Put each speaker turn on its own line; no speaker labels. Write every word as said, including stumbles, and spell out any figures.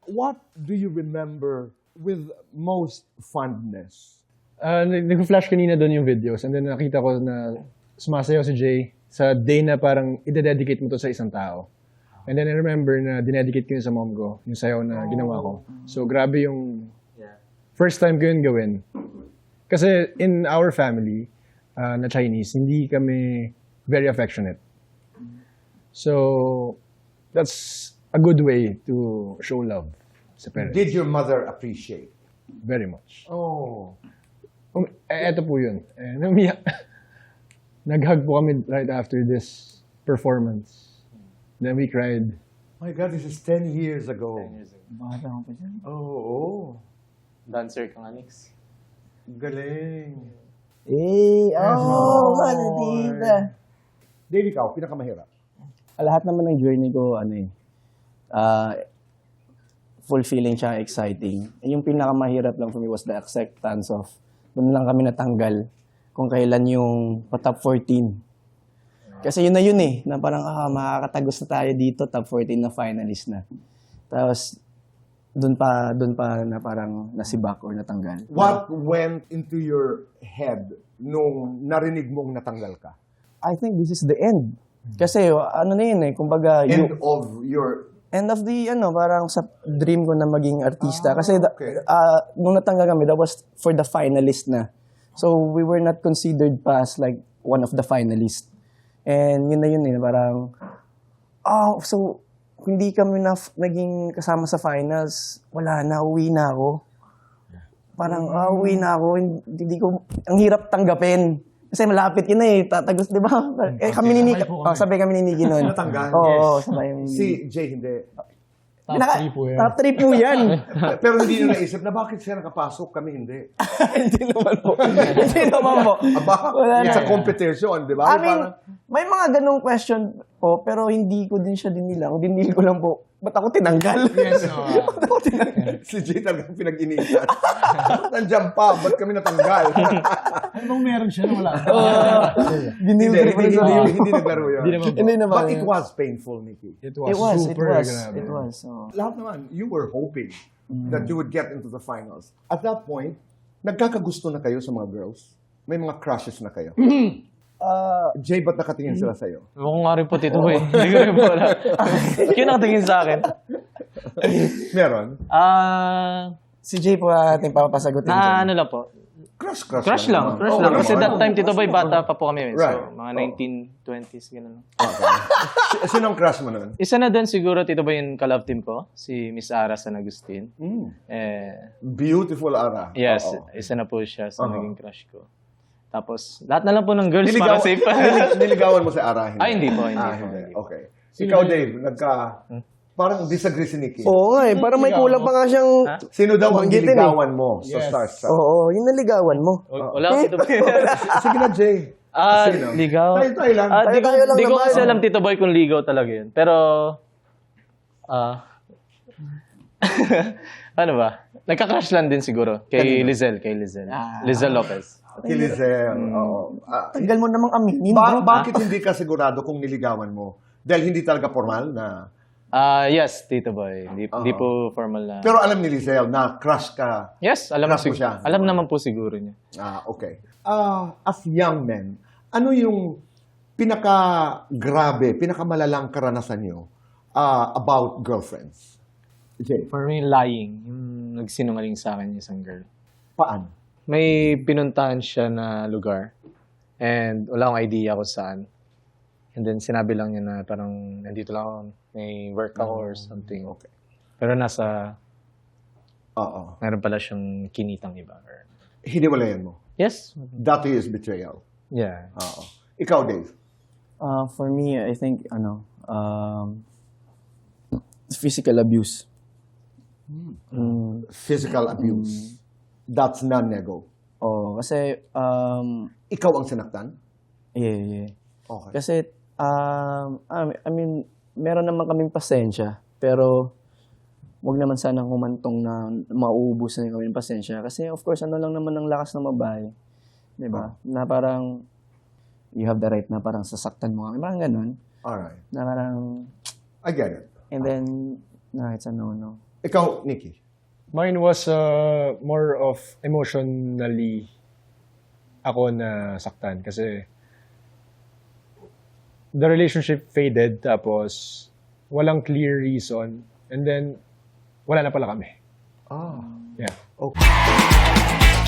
What do you remember with most fondness?
Uh, nag-flash kanina doon yung videos and then nakita ko na sumasayaw si Jay sa day na parang ide-dedicate mo to sa isang tao. And then I remember na dinedicate ko yun sa mom ko, yung sayaw na ginawa ko. So grabe yung first time ko yun gawin. Kasi in our family, uh, na Chinese, hindi kami very affectionate. So that's a good way to show love sa parents.
Did your mother appreciate?
Very much.
Oh.
Um, eh, eto po yun. Eh, namiyak. Nag-hug po kami right after this performance. Then we cried.
My God, this is ten years ago.
Bata ko pa dyan.
Oo. Oh,
Dancer ka nga, Nix.
galing.
Eh, oh, ano tita.
Dave, ikaw, pinakamahirap.
Lahat naman ng journey ko, ano eh, ah, fulfilling siya, exciting. Eh, yung pinakamahirap lang for me was the acceptance of, doon lang kami natanggal kung kailan yung pa-top fourteen. Kasi yun na yun eh, na parang, ah, makakatagos na tayo dito, top fourteen na finalist na. Tapos, doon pa, doon pa na parang nasibak or natanggal.
What went into your head nung narinig mong natanggal ka?
I think this is the end. Kasi ano na yun eh, kumbaga,
End
yung-
of your...
end of the, ano, parang sa dream ko na maging artista.
Ah,
Kasi, da-
okay.
ah, nung natanggal kami, that was for the finalist na. So, we were not considered pa as like one of the finalists. And yun na yun eh, parang, oh, so, hindi kami na naging kasama sa finals. Wala na, uwi na ako. Parang, ah, uwi na ako. Hindi ko, ang hirap tanggapin. Kasi malapit yun eh, tatagos, di ba? Eh, kami ni Nikki, oh, sabi kami ni Nikki nun.
Natanggal?
Oo,
Yes.
oh, sabay yung...
Si Jay, hindi.
Top
Pinaka-
three po yan.
Top three po yan.
Pero hindi nyo naisip na bakit siya nakapasok, kami hindi.
Hindi naman po. Hindi naman po.
Aba,
Wala
it's
na.
a competition, di ba?
I mean,
Parang-
may mga ganong question po, pero hindi ko din siya dinilang. Dinil ko lang po, ba't ako tinanggal?
Yes, no.
Ba't ako tinanggal?
Si Jay talagang pinag-initan. Nandiyan pa, ba't kami natanggal?
Ano bang meron siya na wala?
Dinil
hindi,
ko rin
hindi,
sa
hindi, hindi naglaro yun.
Hindi naman po.
Hindi naman.
But it was painful, Nikki.
It was,
It was, it
super
was.
grabe.
It was. Oh.
Lahat naman, you were hoping that you would get into the finals. At that point, nagkakagusto na kayo sa mga girls? May mga crushes na kayo?
Ah,
Jay, ba't nakatingin sila sa'yo?
Ako nga rin po, Tito Boy. Hindi ko rin po alam. Yun ang tingin sa akin.
Meron?
Ah,
si Jay po ating papasagutin.
na ano lang po.
Crush, crush.
Crush lang.
naman.
Crush
Oo
lang.
naman.
Kasi that time, Tito Boy, bata pa po kami. So,
Right.
mga nineteen twenties, gano'n.
Okay. Si- Sinong crush mo nun?
Isa na doon siguro, Tito Boy, yung ka-love team ko. Si Miss Ara San Agustin. Eh,
Beautiful Ara.
yes,
Oo.
isa na po siya sa
Oo.
naging crush ko. Tapos, lahat na lang po ng girls
Niligaw,
para safe.
nilig- niligawan mo si Ara?
Ay, hindi po, hindi
ah,
po,
hindi.
hindi po.
Okay. Ikaw, Dave, nagka... Parang disagree si Nicky.
Oo nga eh, parang may kulang pa nga siyang...
Ha?
Sino daw ang
Banggitin eh.
niligawan mo sa
Yes.
Starstruck?
Oo, yung naligawan mo.
Wala ko, Tito Boy.
Sige na, Jay.
Ah,
Sino?
ligaw.
Tayo-tayo lang.
Ah, di ko,
Tayo-tayo lang
di ko
naman.
kasi alam, Tito Boy, kung ligaw talaga yun. Pero, ah, ano ba? Nagka-crush lang din siguro. Kay Lizelle, kay Lizelle.
Ah.
Lizelle Lopez.
Si Lizelle. Oo. Ah,
Tagal mo namang aminin,
ba-
bro.
bakit hindi ka sigurado kung niligawan mo? Dahil hindi talaga formal na...
Ah, yes, Tito Boy. Hindi, hindi
Oo.
po formal na.
Pero alam ni Lizelle na crush ka.
yes, alam
Crush mo
sig-
siya.
Alam naman po siguro niya.
Ah, okay. Ah, as young men, ano yung pinaka-grabe, pinaka-malalang karanasan nyo ah, about girlfriends? Jay,
For me, lying. Yung nagsinungaling sa akin yung isang girl.
paano?
May pinuntahan siya na lugar. And wala akong idea kung saan. And then sinabi lang niya na parang nandito lang ako, may work ako or something.
Okay.
Pero nasa,
Oo.
meron pala siyang kinitang iba. Or,
Hiniwalayan mo.
yes.
That is betrayal.
Yeah.
Oo. Ikaw, Dave.
Uh, for me, I think, ano, um, physical abuse. Mm,
Physical abuse. That's non-nego.
oh, kasi, um,
Ikaw ang sinaktan?
yeah, yeah.
Okay.
Kasi, um, I mean, meron naman kaming pasensya, pero wag naman sanang humantong na mauubos na kami ng pasensya. Kasi, of course, ano lang naman ang lakas ng babae. Di ba? Na parang, you have the right na parang sasaktan mo. Parang ganun.
Alright.
Na parang,
I get it.
and then, na, it's a no-no.
Ikaw, Nikki.
Mine was uh, more of emotionally ako na saktan kasi the relationship faded tapos walang clear reason and then wala na pala kami.
Ah.
Yeah.
Okay.